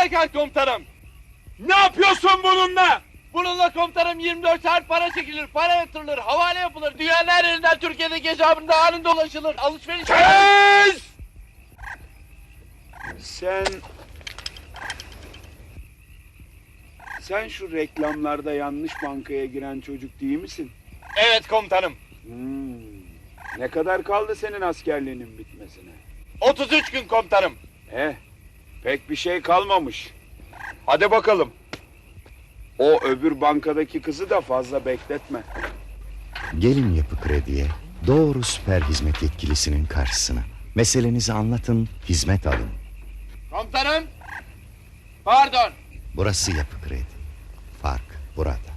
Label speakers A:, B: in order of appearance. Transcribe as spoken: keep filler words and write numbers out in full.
A: Derhal komutanım.
B: Ne yapıyorsun bununla?
A: Bununla komutanım yirmi dört saat para çekilir, para yatırılır, havale yapılır. Dünyanın her yerinden Türkiye'deki hesabında anında ulaşılır. Alışveriş...
B: Kes! Sen... Sen şu reklamlarda yanlış bankaya giren çocuk değil misin?
A: Evet komutanım.
B: Hmm. Ne kadar kaldı senin askerliğinin bitmesine?
A: otuz üç gün komutanım.
B: Eh, pek bir şey kalmamış. Hadi bakalım. O öbür bankadaki kızı da fazla bekletme.
C: Gelin Yapı Kredi'ye, doğru süper hizmet yetkilisinin karşısına. Meselenizi anlatın, hizmet alın.
A: Komutanım. Pardon.
C: Burası Yapı Kredi. Fark burada.